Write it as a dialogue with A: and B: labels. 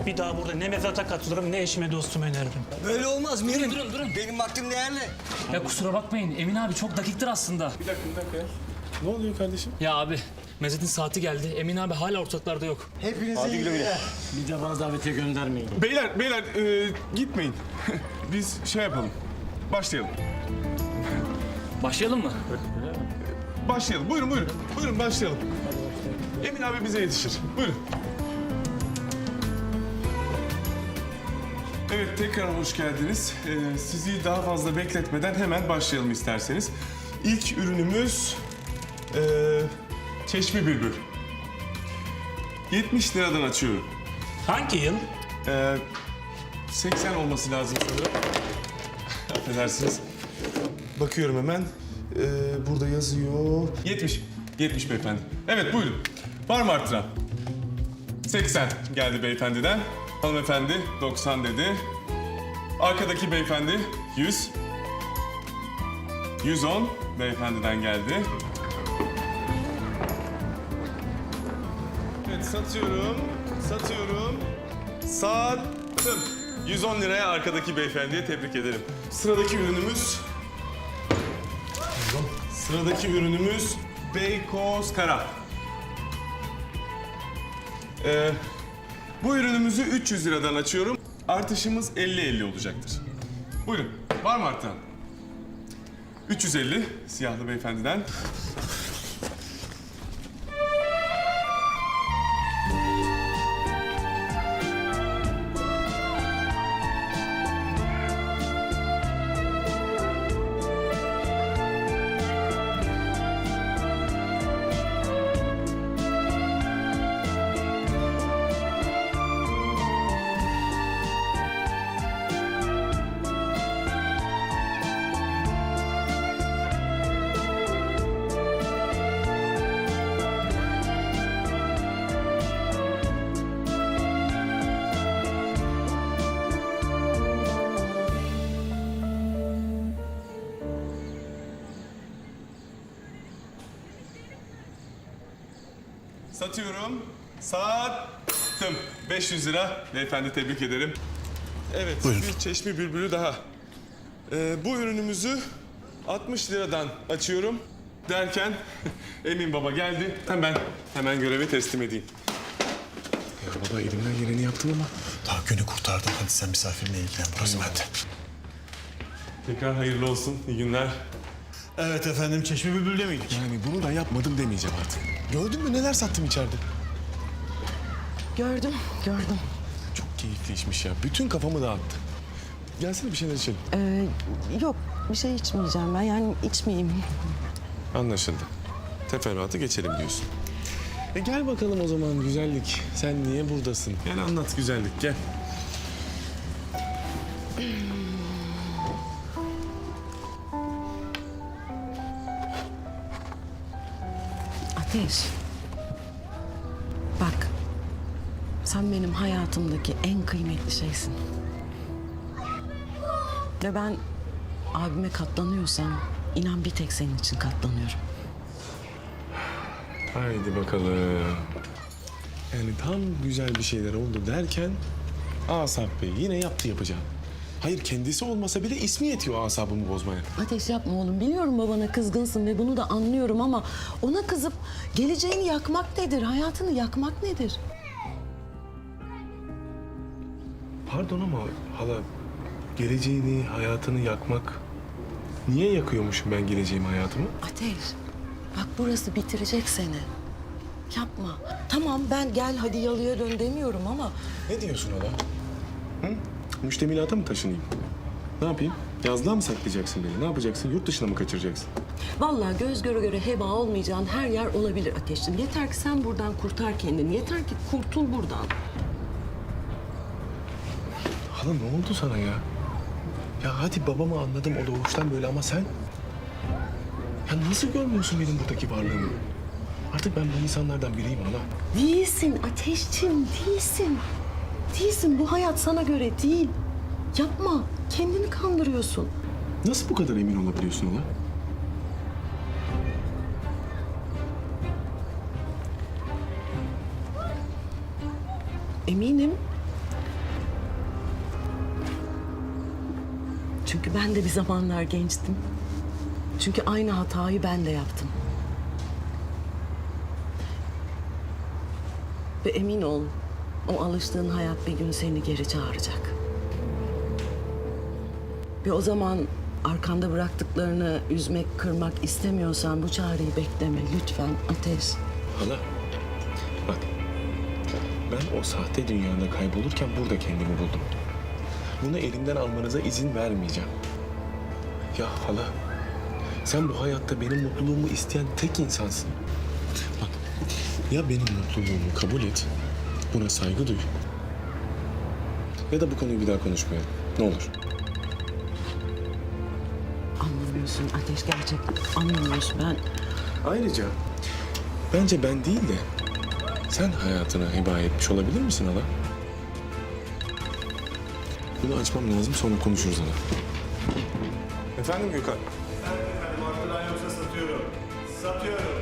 A: Bir daha burada ne mezata katılırım ne eşime dostuma öneririm.
B: Böyle olmaz Mirim.
C: Durun.
B: Benim vaktim değerli.
C: Ya kusura bakmayın Emin abi çok dakiktir aslında.
D: Bir dakika ya. Ne oluyor kardeşim?
C: Ya abi Mezzet'in saati geldi. Emin abi hala ortaklarda yok.
B: Hepinize iyi günler.
E: Bir de bana davetiye göndermeyin.
D: Beyler gitmeyin. Biz şey yapalım. Başlayalım.
C: Başlayalım mı?
D: Başlayalım. Buyurun. Buyurun başlayalım. Emin abi bize yetişir. Buyurun. Evet tekrar hoş geldiniz. Sizi daha fazla bekletmeden hemen başlayalım isterseniz. İlk ürünümüz Çeşme Bülbül. 70 liradan açıyorum.
A: Hangi yıl?
D: 80 olması lazım sanırım. Affedersiniz. Bakıyorum hemen. Burada yazıyor. 70 beyefendi. Evet buyurun. Var mı arttıran? 80 geldi beyefendiden. Hanımefendi 90 dedi. Arkadaki beyefendi 100. 110 beyefendiden geldi. Evet satıyorum. Sattım. 110 liraya arkadaki beyefendiye tebrik ederim. Sıradaki ürünümüz Beykoz Kara. Bu ürünümüzü 300 liradan açıyorum. Artışımız 50-50 olacaktır. Buyurun. Var mı artan? 350 siyahlı beyefendiden. Satıyorum. Sattım. 500 lira. Beyefendi tebrik ederim. Evet, bir Çeşme Bülbülü daha. Bu ürünümüzü 60 liradan açıyorum derken Emin Baba geldi. Hemen görevi teslim edeyim. Ya baba elimden geleni yaptım ama.
E: Daha günü kurtardım. Hadi sen misafirinle ilgilen. Burası bende.
D: Tekrar hayırlı olsun. İyi günler.
E: Evet efendim, Çeşme Bülbül'de miydik?
D: Yani bunu da yapmadım demeyeceğim artık. Gördün mü neler sattım içeride?
F: Gördüm.
D: Çok keyifli işmiş ya. Bütün kafamı dağıttı. Gelsene bir şeyler içelim.
F: Yok, bir şey içmeyeceğim ben. Yani içmeyeyim.
D: Anlaşıldı. Teferruatı geçelim diyorsun. Gel bakalım o zaman güzellik. Sen niye buradasın? Gel anlat güzellik gel.
F: Ateş. Bak, sen benim hayatımdaki en kıymetli şeysin. Ve ben abime katlanıyorsam, inan bir tek senin için katlanıyorum.
D: Haydi bakalım. Yani tam güzel bir şeyler oldu derken Asap Bey yine yaptı yapacağım. Hayır kendisi olmasa bile ismi yetiyor asabımı bozmaya.
F: Ateş yapma oğlum. Biliyorum babana kızgınsın ve bunu da anlıyorum ama ona kızıp geleceğini yakmak nedir? Hayatını yakmak nedir?
D: Pardon ama hala geleceğini, hayatını yakmak... Niye yakıyormuşum ben geleceğimi, hayatımı?
F: Ateş, bak burası bitirecek seni. Yapma. Tamam ben gel hadi yalıya dön demiyorum ama...
D: Ne diyorsun hala? Hı? Müştemilata mı taşınayım? Ne yapayım? Yazlığa mı saklayacaksın beni? Ne yapacaksın? Yurt dışına mı kaçıracaksın?
F: Vallahi göz göre göre heba olmayacağın her yer olabilir Ateş'im. Yeter ki sen buradan kurtar kendini. Yeter ki kurtul buradan.
D: Hala ne oldu sana ya? Ya hadi babamı anladım o doğuştan böyle ama sen... Ya nasıl görmüyorsun benim buradaki varlığımı? Artık ben bu insanlardan biriyim hala.
F: Değilsin Ateş'cim, değilsin. Değilsin, bu hayat sana göre değil. Yapma, kendini kandırıyorsun.
D: Nasıl bu kadar emin olabiliyorsun hala?
F: Eminim Çünkü ben de bir zamanlar gençtim. Çünkü aynı hatayı ben de yaptım. Ve emin ol, o alıştığın hayat bir gün seni geri çağıracak. Ve o zaman arkanda bıraktıklarını üzmek, kırmak istemiyorsan bu çağrıyı bekleme lütfen Ateş.
G: Hala, bak. Ben o sahte dünyada kaybolurken burada kendimi buldum. Bunu elimden almanıza izin vermeyeceğim. Ya hala, sen bu hayatta benim mutluluğumu isteyen tek insansın. Bak, ya benim mutluluğumu kabul et, buna saygı duy. Ya da bu konuyu bir daha konuşmayalım. Ne olur.
F: Anlamıyorsun Ateş, gerçekten anlamıyorsun. Ben
G: Ayrıca bence ben değil de sen hayatına heba etmiş olabilir misin hala? Bunu açmam lazım, sonra konuşuruz hala. Efendim Gökhan?
E: Markadan yoksa satıyorum. Satıyorum.